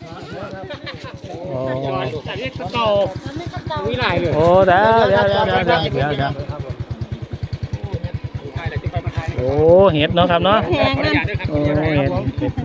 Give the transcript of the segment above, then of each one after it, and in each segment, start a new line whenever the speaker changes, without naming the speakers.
โอ้
อันนี้เก่ามีหลายเลย
โอ้เดี๋ยวโอ้เห็ดเนาะครับเนาะ
แพงนั่น
โอ้เห็ด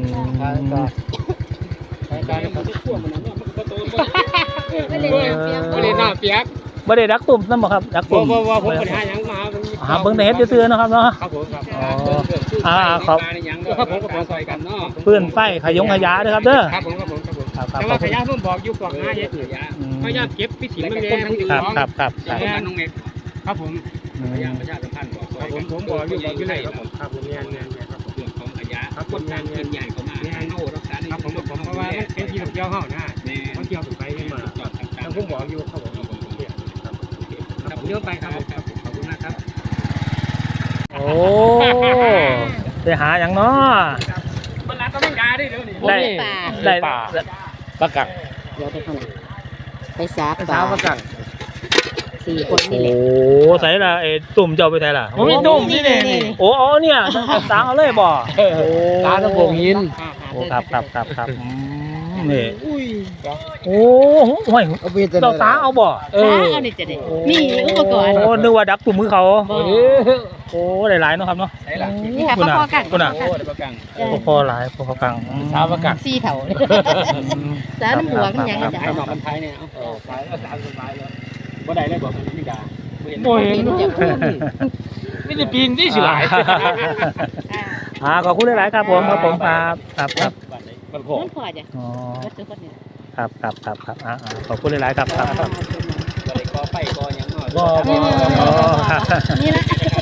ไม่ได้น้ำเปียก
บ่ได้ดักตุ่มนั่นบ่ครับดักตุ่ม
ว่าผมปัญหายังมา
หาเบิ่งแต่เห็ดซื่อๆเนาะครับเนาะ
ครับผมครับ
ครับ
ครับผมกับผมซอยกันเนาะ
ปืนไฟขยงขยะเด้อครับเด้อ
ครับผมครับผมครับผม
ครับ
แต่ว่าขยะผมบอกอยู่กล่องหาเฮ็ดขยะพยายามเก็บพิถีมันแรงทั้ง
ครับ
น้องเมฆครับผมพยายามประชาสัมพันธ์บอกผมบอกอยู่เลยครับผมครับผมเนี่ยครับเรื่องของขยะครับคนต่างกินใหญ่เข้ามาให้โน่รักษาครับผมเพราะว่าเป็นที่ท่องเที่ยวเฮานะท่องเที่ยวไปมาทางผมบอกอยู่ครับผมครับเดี๋ยวไปครับผมขอบคุณมากครับ
โอ้ไปหาอย่างเนาะ
มันร้านก็ไม่กาได้เดี๋ยวนี้
ได้ปลากัก
เดี๋ยวไปข้างหลังไปสาป
สา
ลาว
ประกัน
4 คนนี่แหละ
โอ้ใส่ละไอ้ตุ่มเจ้าไปใส่ละ
ผมมีตุ่มนี่นี่
โอ้เนี่ยตาเอาเลยบ่โอ้
ตาตะโกงหิน
โอ้ครับนี่โอ้ห่วยเราตาเอาบ่
สาเอานี่จะได้มีอุปกรณ์
โอ้นึกว่าดักตุ่มมือเขา
บ่
โอ้หลายๆเนาะครับเนาะ
นี่ค่ะพอๆกัน
คุณน่ะ
โอ้ได้ประกัน
พอหลายพอกัง
สาวประกัน
4เท่าสาน้ำหัวมันยังจะ
ไอ้หนอกกันไทยเนี่ยสายก็สามสบายแล้วบ่ได้เลยบอกมันไม่ด่า
โอ้ยจะพูด
ไม่ได้ปีนที่สิหลาย
ขอบคุณหลายๆครับผมครับ
มันโผล่
นั่นพอจ้ะ
อ๋อ
วัดทุกคนเนี่ย
ครับขอบคุณหลายๆครับ
บ่ได้กอไฟกอหยังเนาะ
นี่ละ